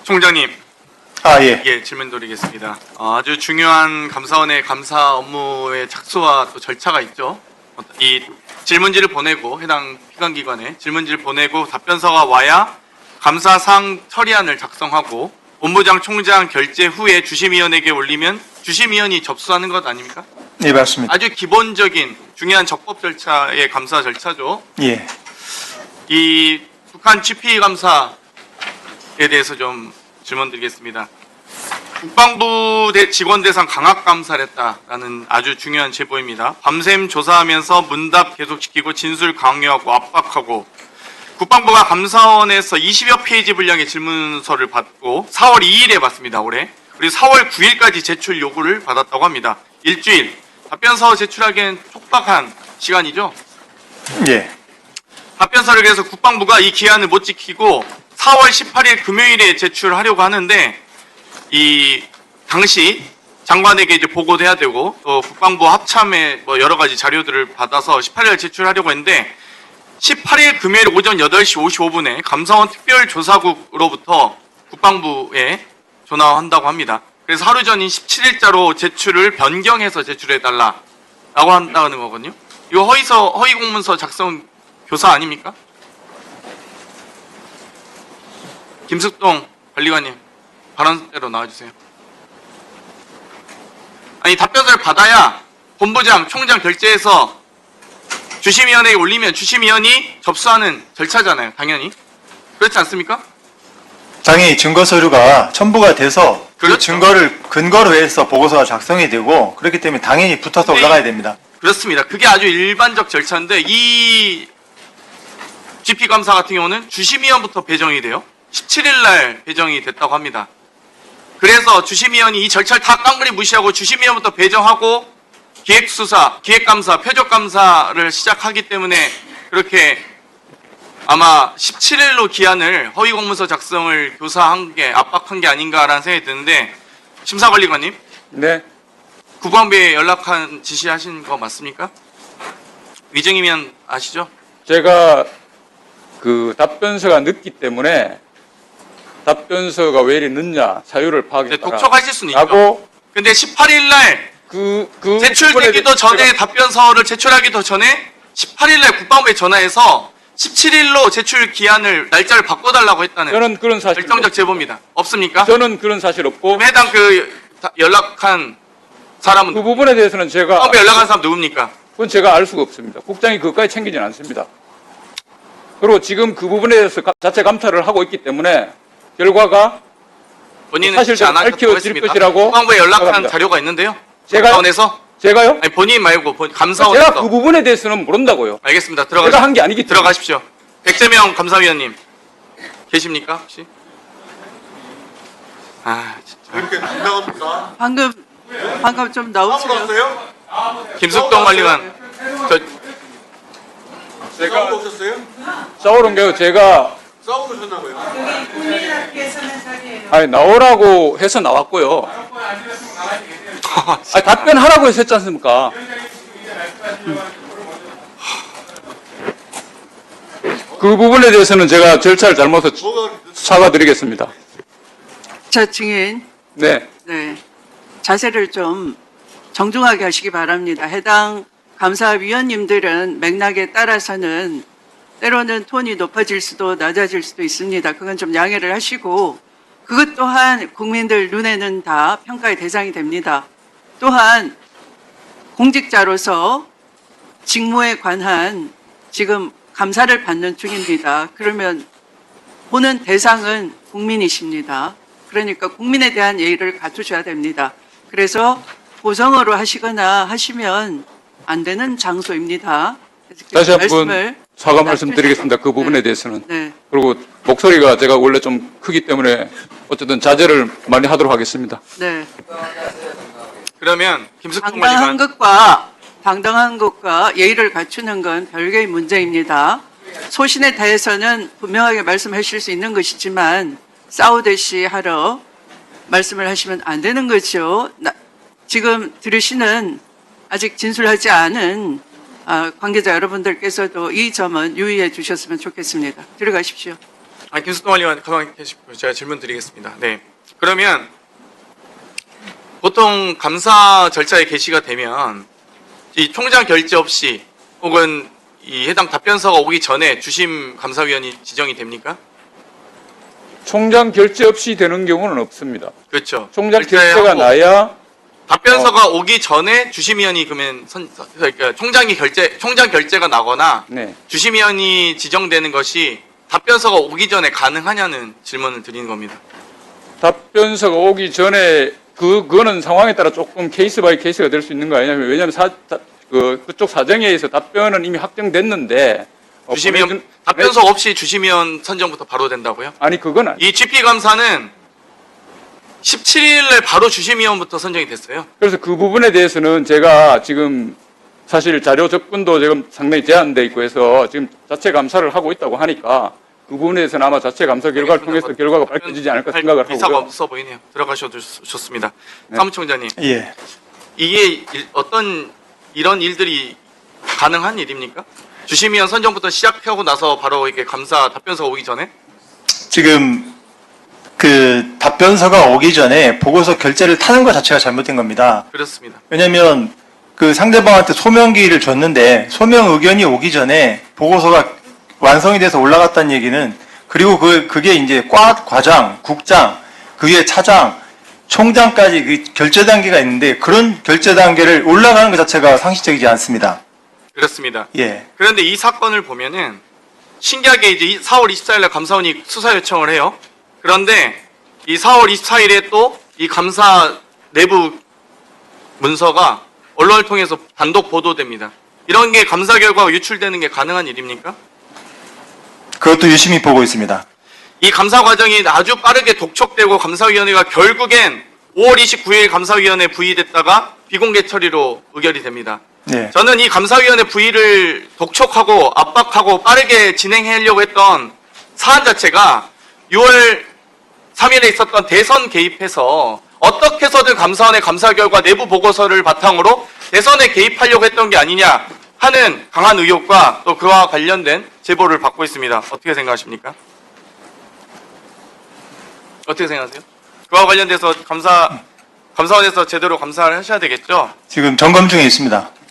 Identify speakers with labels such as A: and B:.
A: 총장님.
B: 예.
A: 예, 질문 드리겠습니다. 아주 중요한 감사원의 감사 업무의 착수와 또 절차가 있죠. 이 질문지를 보내고 해당 피감기관에 질문지를 보내고 답변서가 와야 감사사항 처리안을 작성하고 본부장 총장 결재 후에 주심위원에게 올리면 주심위원이 접수하는 것 아닙니까?
B: 네, 맞습니다.
A: 아주 기본적인 중요한 적법 절차의 감사 절차죠.
B: 예.
A: 이 북한 GP 감사에 대해서 좀 질문드리겠습니다. 국방부 직원 대상 강압 감사를 했다라는 아주 중요한 제보입니다. 밤샘 조사하면서 문답 계속시키고 진술 강요하고 압박하고 국방부가 감사원에서 20여 페이지 분량의 질문서를 받고 4월 2일에 받습니다. 올해. 그리고 4월 9일까지 제출 요구를 받았다고 합니다. 일주일. 답변서 제출하기엔 촉박한 시간이죠.
B: 예.
A: 답변서를 그래서 국방부가 이 기한을 못 지키고 4월 18일 금요일에 제출하려고 하는데 이 당시 장관에게 이제 보고도 해야 되고 또 국방부 합참에 뭐 여러 가지 자료들을 받아서 18일 제출하려고 했는데 18일 금요일 오전 8시 55분에 감사원 특별조사국으로부터 국방부에 전화한다고 합니다. 그래서 하루 전인 17일자로 제출을 변경해서 제출해달라고 한다는 거거든요. 이거 허위 공문서 작성 교사 아닙니까? 김숙동 관리관님 발언대로 나와주세요. 아니 답변서를 받아야 본부장 총장 결재해서 주심위원회에 올리면 주심위원이 접수하는 절차잖아요. 당연히. 그렇지 않습니까?
B: 당연히 증거 서류가 첨부가 돼서 그
A: 그렇죠.
B: 증거를 근거로 해서 보고서가 작성이 되고 그렇기 때문에 당연히 붙어서
A: 네.
B: 올라가야 됩니다.
A: 그렇습니다. 그게 아주 일반적 절차인데 이 GP 감사 같은 경우는 주심위원부터 배정이 돼요. 17일 날 배정이 됐다고 합니다. 그래서 주심위원이 이 절차를 다 깡그리 무시하고 주심위원부터 배정하고 기획수사, 기획감사, 표적감사를 시작하기 때문에 그렇게 아마 17일로 기한을 허위공문서 작성을 교사한 게 압박한 게 아닌가라는 생각이 드는데 심사관리관님
C: 네.
A: 국방부에 연락한 지시하신 거 맞습니까? 위증이면 아시죠?
C: 제가 그 답변서가 늦기 때문에 답변서가 왜 이리 늦냐 사유를
A: 네,
C: 파악했다가
A: 독촉하실 수는 있죠.
C: 하고
A: 근데 18일 날
C: 그
A: 제출되기도 전에 답변서를 제출하기도 전에 18일 날 국방부에 전화해서 17일로 제출 기한을 날짜를 바꿔달라고 했다는
C: 저는 그런 사실
A: 결정적 제보입니다. 없습니까?
C: 저는 그런 사실 없고
A: 그럼 해당 연락한 사람은
C: 그 부분에 대해서는 제가
A: 국방부에 연락한 사람 누굽니까?
C: 그건 제가 알 수가 없습니다. 국장이 그것까지 챙기진 않습니다. 그리고 지금 그 부분에 대해서 자체 감찰을 하고 있기 때문에 결과가
A: 본인은
C: 사실
A: 지시 안 하셨다고
C: 밝혀질
A: 했습니다.
C: 것이라고
A: 국방부에 연락한
C: 생각합니다.
A: 자료가 있는데요.
C: 제가요?
A: 감사원에서
C: 제가요?
A: 아니 본인 말고
C: 제가
A: 감사원에서
C: 그 부분에 대해서는 모른다고요.
A: 알겠습니다.
C: 제가 한 게 아니기 때문에.
A: 들어가십시오. 백재명 감사위원님 계십니까 혹시? 아 진짜.
D: 이렇게 나갑니까?
E: 방금 좀 나오세요.
D: 왔어요?
A: 김숙동 관리관 저
C: 제가
D: 싸우고 오셨어요?
C: 싸우는 게 제가
D: 싸우고 오셨나봐요.
E: 국민학교에서는 자리예요.
C: 아니 나오라고 해서 나왔고요. 아니, 답변하라고 해서 했지 않습니까? 그 부분에 대해서는 제가 절차를 잘못해서
D: 뭐가
C: 사과드리겠습니다.
E: 저 증인,
C: 네.
E: 네, 자세를 좀 정중하게 하시기 바랍니다. 해당 감사위원님들은 맥락에 따라서는 때로는 톤이 높아질 수도 낮아질 수도 있습니다. 그건 좀 양해를 하시고 그것 또한 국민들 눈에는 다 평가의 대상이 됩니다. 또한 공직자로서 직무에 관한 지금 감사를 받는 중입니다. 그러면 보는 대상은 국민이십니다. 그러니까 국민에 대한 예의를 갖추셔야 됩니다. 그래서 고성어로 하시거나 하시면 안 되는 장소입니다.
C: 다시 한번 사과 말씀드리겠습니다. 그 부분에 대해서는.
E: 네.
C: 그리고 목소리가 제가 원래 좀 크기 때문에 어쨌든 자제를 많이 하도록 하겠습니다.
E: 네.
A: 그러면 김숙동
E: 당당한
A: 관리관
E: 당당한 것과 예의를 갖추는 건 별개의 문제입니다. 소신에 대해서는 분명하게 말씀하실 수 있는 것이지만 싸우듯이 하러 말씀을 하시면 안 되는 거죠. 지금 들으시는 아직 진술하지 않은 관계자 여러분들께서도 이 점은 유의해 주셨으면 좋겠습니다. 들어가십시오.
A: 김수동 관리관 가만히 계시고 제가 질문 드리겠습니다. 네. 그러면 보통 감사 절차에 개시가 되면 이 총장 결재 없이 혹은 이 해당 답변서가 오기 전에 주심 감사위원이 지정이 됩니까?
C: 총장 결재 없이 되는 경우는 없습니다.
A: 그렇죠.
C: 총장
A: 절차에
C: 결재가
A: 하고
C: 나야
A: 답변서가 오기 전에 주심위원이 그러면 그러니까 총장 결재가 나거나
C: 네.
A: 주심위원이 지정되는 것이 답변서가 오기 전에 가능하냐는 질문을 드리는 겁니다.
C: 답변서가 오기 전에 그거는 상황에 따라 조금 케이스 바이 케이스가 될 수 있는 거 아니냐면 왜냐하면 그쪽 사정에 의해서 답변은 이미 확정됐는데
A: 주심위원 답변서 없이 주심위원 선정부터 바로 된다고요?
C: 아니 그건 아니.
A: 이 GP 감사는 17일에 바로 주심위원부터 선정이 됐어요.
C: 그래서 그 부분에 대해서는 제가 지금 사실 자료 접근도 지금 상당히 제한돼 있고 해서 지금 자체 감사를 하고 있다고 하니까 그 부분에 대해서는 아마 자체 감사 결과를 통해서 결과가 밝혀지지 않을까 생각을
A: 의사가
C: 하고요.
A: 없어 보이네요. 들어가셔도 좋습니다.
C: 네.
A: 사무총장님,
B: 예.
A: 이게 어떤 이런 일들이 가능한 일입니까? 주심위원 선정부터 시작하고 나서 바로 이게 감사 답변서가 오기 전에?
B: 지금 그 답변서가 오기 전에 보고서 결재를 타는 것 자체가 잘못된 겁니다.
A: 그렇습니다.
B: 왜냐면 그 상대방한테 소명기를 줬는데 소명 의견이 오기 전에 보고서가 완성이 돼서 올라갔다는 얘기는 그리고 그게 이제 과장, 국장, 그 위에 차장, 총장까지 그 결재 단계가 있는데 그런 결재 단계를 올라가는 것 자체가 상식적이지 않습니다.
A: 그렇습니다.
B: 예.
A: 그런데 이 사건을 보면은 신기하게 이제 4월 24일에 감사원이 수사 요청을 해요. 그런데 이 4월 24일에 또 이 감사 내부 문서가 언론을 통해서 단독 보도됩니다. 이런 게 감사 결과가 유출되는 게 가능한 일입니까?
B: 그것도 유심히 보고 있습니다.
A: 이 감사 과정이 아주 빠르게 독촉되고 감사위원회가 결국엔 5월 29일 감사위원회 부의됐다가 비공개 처리로 의결이 됩니다.
B: 네.
A: 저는 이 감사위원회 부의를 독촉하고 압박하고 빠르게 진행하려고 했던 사안 자체가 6월 3일에 있었던 대선 개입해서 어떻게 해서든 감사원의 감사 결과 내부 보고서를 바탕으로 대선에 개입하려고 했던 게 아니냐 하는 강한 의혹과 또 그와 관련된 제보를 받고 있습니다. 어떻게 생각하십니까? 어떻게 생각하세요? 그와 관련돼서 감사원에서 제대로 감사를 하셔야 되겠죠?
B: 지금 점검 중에 있습니다.